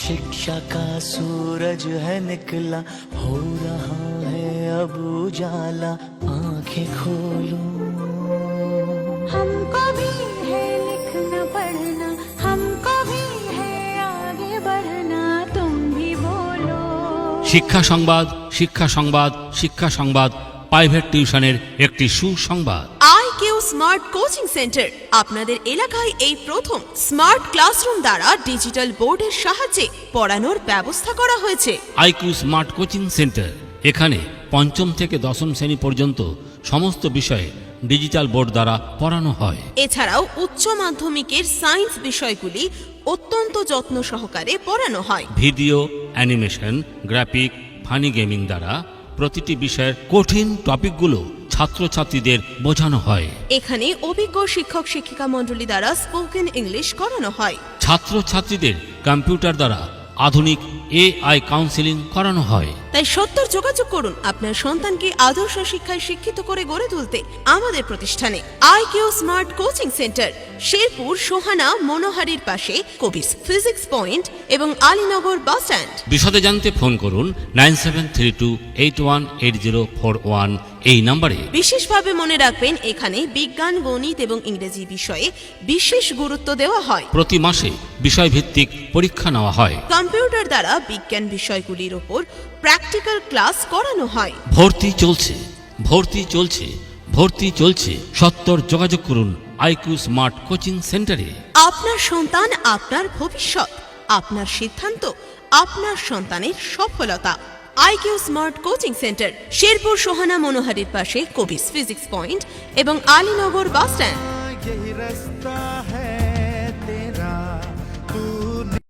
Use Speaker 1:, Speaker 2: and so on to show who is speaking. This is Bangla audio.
Speaker 1: शिक्षा का सूरज है निकला, हो रहा है अब उजाला, आंखें खोलो।
Speaker 2: हमको भी है लिखना पढ़ना, हमको भी है आगे बढ़ना, तुम भी बोलो।
Speaker 3: শিক্ষা সংবাদ, শিক্ষা সংবাদ, শিক্ষা সংবাদ, প্রাইভেট টিউশনের একটি সুসংবাদ।
Speaker 4: আইকিউ স্মার্ট কোচিং সেন্টার আপনাদের এলাকায় এই প্রথম স্মার্ট ক্লাসরুম দ্বারা ডিজিটাল বোর্ডের সাহায্যে পড়ানোর ব্যবস্থা করা হয়েছে।
Speaker 3: আইকিউ স্মার্ট কোচিং সেন্টার, এখানে পঞ্চম থেকে দশম শ্রেণী পর্যন্ত সমস্ত বিষয়ে ডিজিটাল বোর্ড দ্বারা পড়ানো হয়।
Speaker 4: এছাড়াও উচ্চ মাধ্যমিকের সায়েন্স বিষয়গুলি অত্যন্ত যত্ন সহকারে পড়ানো হয়।
Speaker 3: Video, animation, graphic, funny gaming দ্বারা প্রতিটি বিষয়ের কঠিন টপিকগুলো ছাত্রছাত্রীদের বোঝানো হয়।
Speaker 4: এখানে অভিজ্ঞ শিক্ষক শিক্ষিকা মণ্ডলী দ্বারা স্পোকেন ইংলিশ করানো হয়।
Speaker 3: ছাত্রছাত্রীদের কম্পিউটার দ্বারা আধুনিক এআই কাউন্সেলিং করানো হয়।
Speaker 4: তাই সত্তর যোগাযোগ করুন আপনার সন্তানকে আদর্শ শিক্ষায় শিক্ষিত করে গড়ে তুলতে আমাদের প্রতিষ্ঠানে। IQ smart coaching centre, Sherpur Sohana মনোহারির পাশে, কবিস ফিজিক্স পয়েন্ট এবং আলীনগর বাস স্ট্যান্ড।
Speaker 3: বিশদে জানতে ফোন করুন 9732818041 এই নম্বরে।
Speaker 4: বিশেষভাবে মনে রাখবেন, এখানে বিজ্ঞান, গণিত এবং ইংরেজি বিষয়ে বিশেষ গুরুত্ব দেওয়া হয়।
Speaker 3: প্রতি মাসে বিষয়ভিত্তিক পরীক্ষা নেওয়া হয়।
Speaker 4: কম্পিউটার দ্বারা বিজ্ঞান বিষয়গুলির উপর প্র্যাকটিক্যাল ক্লাস করানো হয়।
Speaker 3: ভর্তি চলছে, ভর্তি চলছে, ভর্তি চলছে। সত্তর যোগাযোগ করুন আইকিউ স্মার্ট কোচিং সেন্টারে।
Speaker 4: আপনার সন্তান আপনার ভবিষ্যৎ, আপনার সিদ্ধান্ত আপনার সন্তানের সফলতা। IQ smart coaching centre, Sherpur Sohana মনোহারির পাশে, কবিস ফিজিক্স পয়েন্ট এবং আলীনগর বাস স্ট্যান্ড।
Speaker 1: यही रास्ता है